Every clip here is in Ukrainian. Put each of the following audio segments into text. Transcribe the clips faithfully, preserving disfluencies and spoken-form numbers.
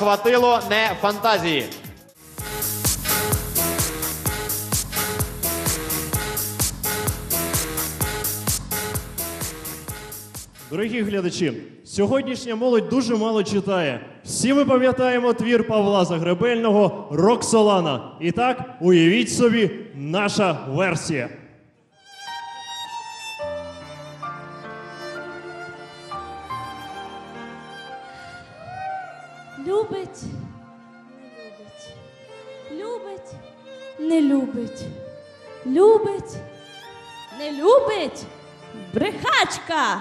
хватило не фантазії. Дорогі глядачі, сьогоднішня молодь дуже мало читає. Всі ми пам'ятаємо твір Павла Загребельного «Роксолана». І так, уявіть собі, наша версія. Любить, не любить. Любить, не любить. Любить, не любить. Брехачка.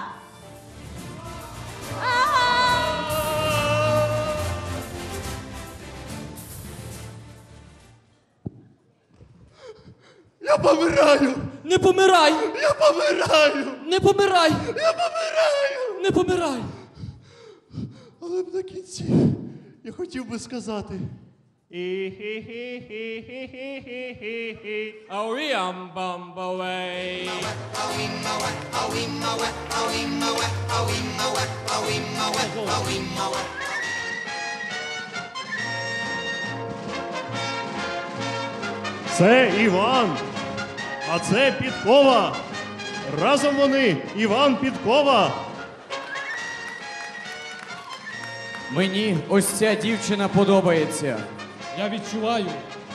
Я помираю! Не помирай! Я помираю! Не помирай! Я помираю! Не помирай! Але б на кінці я хотів би сказати. Це Іван, а це Підкова. Разом вони Іван Підкова. Мені ось ця дівчина подобається. Я відчуваю.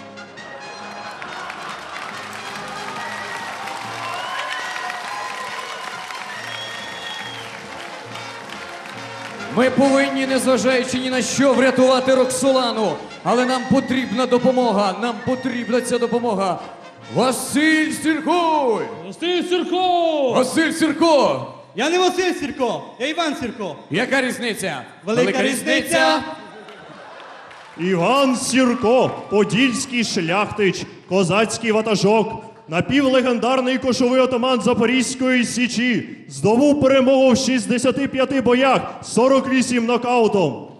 Ми повинні, незважаючи ні на що, врятувати Роксолану. Але нам потрібна допомога. Нам потрібна ця допомога. Василь Сірко! Василь Сірко! Василь Сірко! Я не Василь Сірко, я Іван Сірко. Яка різниця? Велика різниця. Іван Сірко, подільський шляхтич, козацький ватажок, напівлегендарний кошовий отаман Запорізької Січі, здобув перемогу в шістдесяти п'яти боях, сорок вісім нокаутом.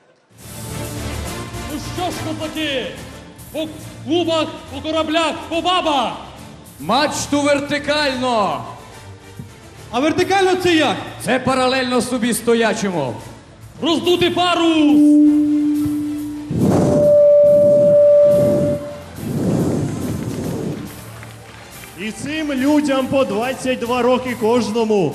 Ну що ж, козаки? По клубах, по кораблях, по бабах! Мачту вертикально! А вертикально це як? Це паралельно собі стоячому. Роздути пару! І цим людям по двадцять два роки кожному.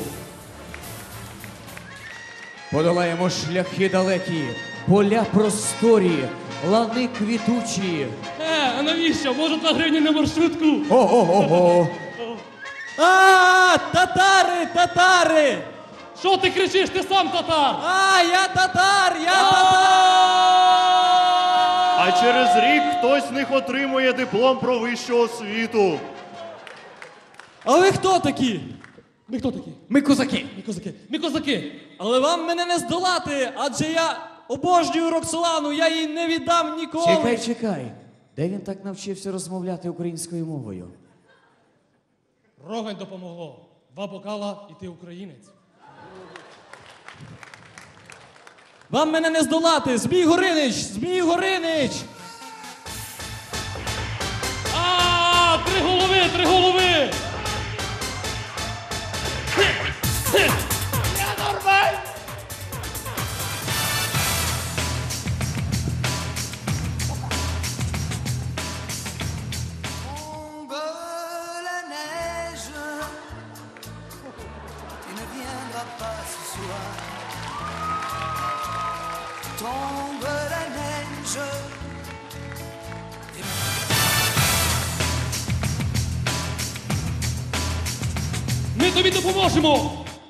Подолаємо шляхи далекі, поля просторі, лани квітучі. Е, а навіщо? Може, два гривні на маршрутку? Ого-го-го! А, татари, татари! Що ти кричиш? Ти сам татар! А, я татар, я татар! А через рік хтось з них отримує диплом про вищу освіту. А ви хто такі? Ми хто такі? Ми козаки! Ми козаки. Ми козаки. Але вам мене не здолати, адже я обожнюю Роксолану, я її не віддам ніколи. Чекай, чекай. Де він так навчився розмовляти українською мовою? Рогань допомогло. Два бокала і ти українець. Вам мене не здолати, Змій Горинич, Змій Горинич! А, три голови, три голови! Я нормальний! Tombe la neige, tu ne viendras pas ce soir. Tombe la neige. Ми тобі допоможемо!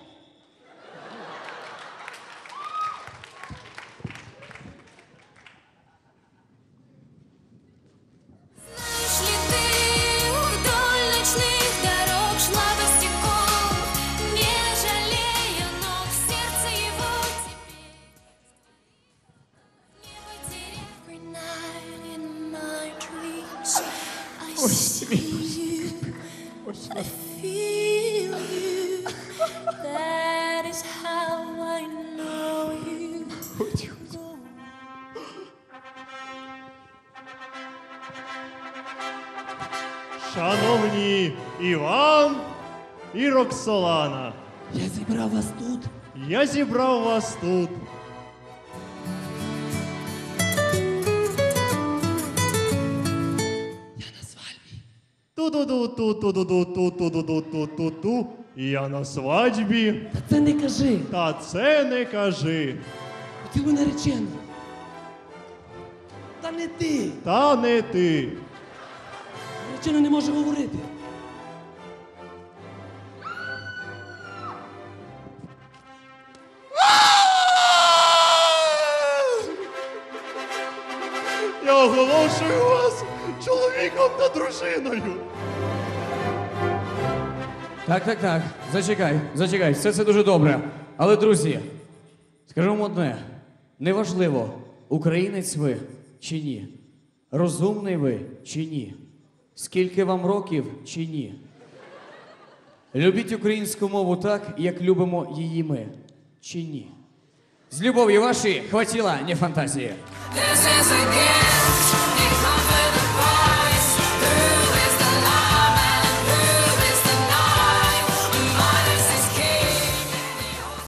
Знаешь ли ты, вдоль ночных дорог шла босиком, не жалея ног, сердце его теперь не потеряв. Every night in my dreams I see you, I feel you. That is how I know you. Шановні Іван і Роксолана, Я зібрав вас тут. я зібрав вас тут. Ту-ду-ду-ту-ту-ду-ту-ту-ду-ту-ту-ду-ту-ту. Я на свадьбі. Та це не кажи. Та це не кажи. Хотів би наречену. Та не ти. Та не ти. Наречена не може говорити. Я оголошую вас чоловіком та дружиною. Так, так, так. Зачекай, зачекай, все це дуже добре. Але, друзі, скажу вам одне: неважливо, українець ви чи ні, розумний ви чи ні, скільки вам років чи ні. Любіть українську мову так, як любимо її ми, чи ні. З любов'ю ваші хватіла, не фантазії. This is a game.